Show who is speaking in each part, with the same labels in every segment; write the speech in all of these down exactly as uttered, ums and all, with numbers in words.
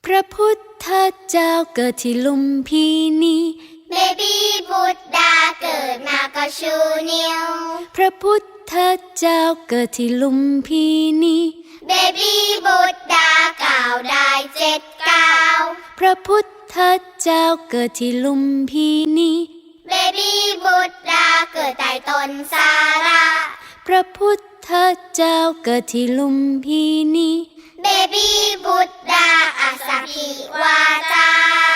Speaker 1: พระพุทธเจ้าเกิดที่ลุมพินี
Speaker 2: เบบี้บุตดาเกิดมาก็ชูนิ้ว
Speaker 1: พระพุทธเจ้าเกิดที่ลุมพินี
Speaker 2: เบบี้บุตดากล่าวได้เจ็ดก้าว
Speaker 1: พระพุทธเจ้าเกิดที่ลุมพินี
Speaker 2: เบบี้บุตดาเกิดใต้ต้นสาระ
Speaker 1: พระพุทธเจ้าเกิดที่ลุมพินี
Speaker 2: เบบี้บุตดาอาสาพิวาจา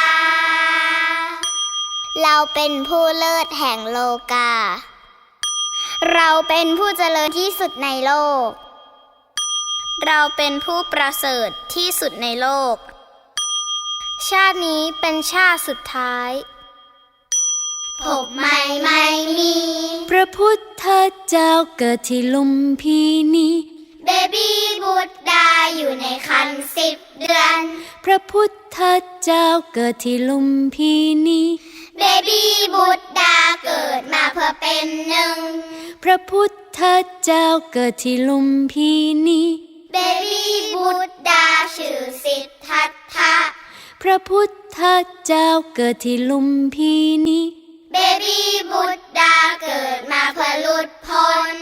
Speaker 2: เราเป็นผู้เลิศแห่งโลกาเราเป็นผู้เจริญที่สุดในโลกเราเป็นผู้ประเสริฐที่สุดในโลกชาตินี้เป็นชาติสุดท้ายพบไม่ไม่มี
Speaker 1: พระพุทธเจ้าเกิดที่ลุมพินี
Speaker 2: เบบี้บุตดาอยู่ในครรภ์สิบเดือน
Speaker 1: พระพุทธเจ้าเกิดที่ลุมพินี
Speaker 2: เบบี้บุตดาเกิดมาเพื่อเป็นหนึ่ง
Speaker 1: พระพุทธเจ้าเกิดที่ลุมพินี
Speaker 2: เบบี้บุตดาชื่อสิทธัตถะ
Speaker 1: พระพุทธเจ้าเกิดที่ลุมพินี
Speaker 2: เบบี้บุตดาเกิดมาเพื่อหลุดพ้น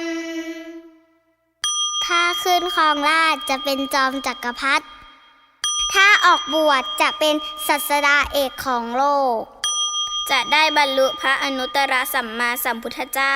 Speaker 2: ถ้าขึ้นครองราชย์จะเป็นจอมจักรพรรดิถ้าออกบวชจะเป็นศาสดาเอกของโลกจะได้บรรลุพระอนุตตรสัมมาสัมพุทธเจ้า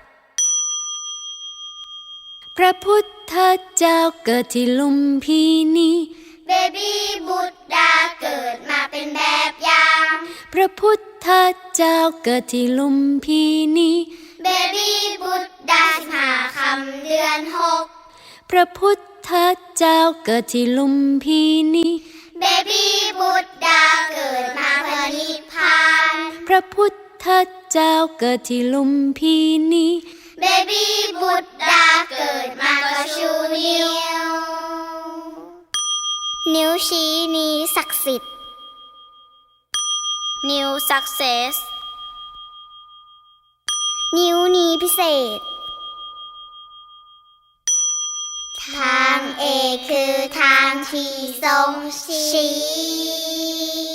Speaker 1: พระพุทธเจ้าเกิดที่ลุมพินี
Speaker 2: เบบี้บุตดาเกิดมาเป็นแบบอย่าง
Speaker 1: พระพุทธเจ้าเกิดที่ลุมพินี
Speaker 2: เบบี้บุตดาสิบห้าค่ำเดือนหก
Speaker 1: พระพุทธเจ้าเกิดที่ลุมพินี
Speaker 2: เบบี้บุตดาเกิดมาเพื่อนิพพาน
Speaker 1: พระพุทธเจ้าเกิดที่ลุมพินี
Speaker 2: เบบี้บุตดาเกิดมาก็ชูนิ้วนิ้วชี้นี้ศักดิ์สิทธิ์นิ้ว success นิ้วนี้พิเศษทางเอกคือทางที่ทรงชี้